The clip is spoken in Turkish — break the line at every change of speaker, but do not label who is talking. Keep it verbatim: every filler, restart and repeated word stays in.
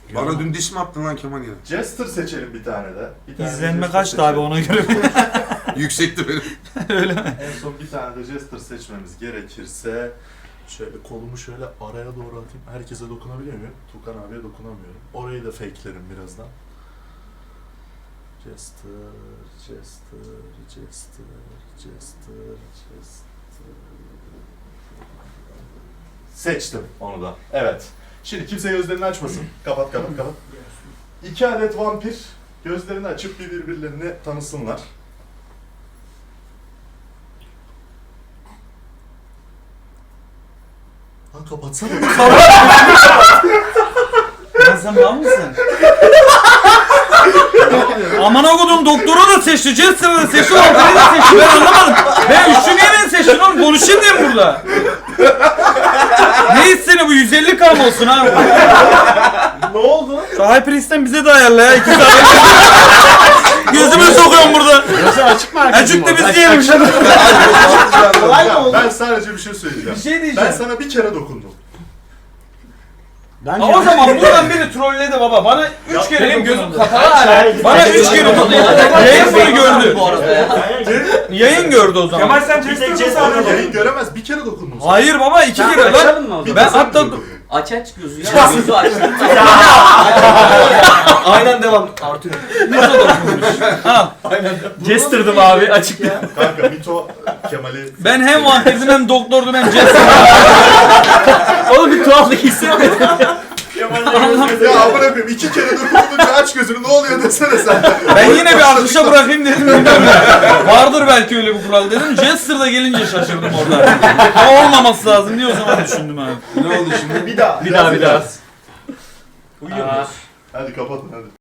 Bana dün diş mi attın lan Kemal ya?
Jester seçelim bir tane de. Bir tane de
İzlenme
Jester
kaçtı abi
seçelim.
ona göre.
Yüksekti benim.
Öyle mi?
En son bir tane de Jester seçmemiz gerekirse şöyle kolumu şöyle araya doğru atayım. Herkese dokunabiliyor muyum? Tukan abiye dokunamıyorum. Orayı da fakelerim birazdan. Jester, Jester, Jester, Jester, Jester. Seçtim onu da. Evet. Şimdi kimse gözlerini açmasın. Kapat kapat kapat. İki adet vampir gözlerini açıp bir birbirlerini tanısınlar. Lan kapatsana.
Ya sen mal mısın? Aman okudum doktoru da seçti, Jester'ı da seçti, Ortay'ı da seçti. Ben anlamadım. Ben üçlü niye beni seçtin oğlum? Konuşayım diye mi burada? Ne istedi bu? yüz elli gram olsun ha.
Ne oldu?
Şu Hyperx'ten bize de ayarla ya. İki tane. Gözümü sokuyorum burada.
Burası açık mı arkadaşım?
Acık da biz diyelim.
Kolay mı oldu?
Ben sadece bir şey söyleyeceğim.
Bir şey
Ben
diyeceğim.
sana bir kere dokundum.
Ben
Ama o zaman buradan biri trolledi baba. Bana üç kere
Benim gözüm
dokundu.
kapalı hala.
Bana üç kere dokundu. Yayın bunu gördü.
Bu arada ya.
Yayın gördü o zaman.
Kemal sen Jester'ı nasıl
Onu
anladın?
yayın göremez. Bir kere dokundum sana.
Hayır baba iki
Sen
kere lan.
açalım mı o zaman?
Ben
Sen
hatta
dokundun.
Aç aç gözü ya. Gözü aç. Aynen devam. Artıyor.
al.
Jester'dım abi açık ya.
Kanka Mito Kemal'i...
Ben hem vampirdim hem doktordum hem Jester.
Oğlum bir tuhaflık hissetmedim.
Ya amına koyayım iki kere dokundunca aç gözünü ne oluyor desene sen.
Ben yine bir akışa bırakayım dedim. Bilmiyorum. Vardır belki öyle bir kural dedim. Jester da gelince şaşırdım orada. O olmaması lazım diye o zaman düşündüm abi.
Ne oldu şimdi?
Bir daha.
Bir daha bir daha.
Hadi kapatın hadi.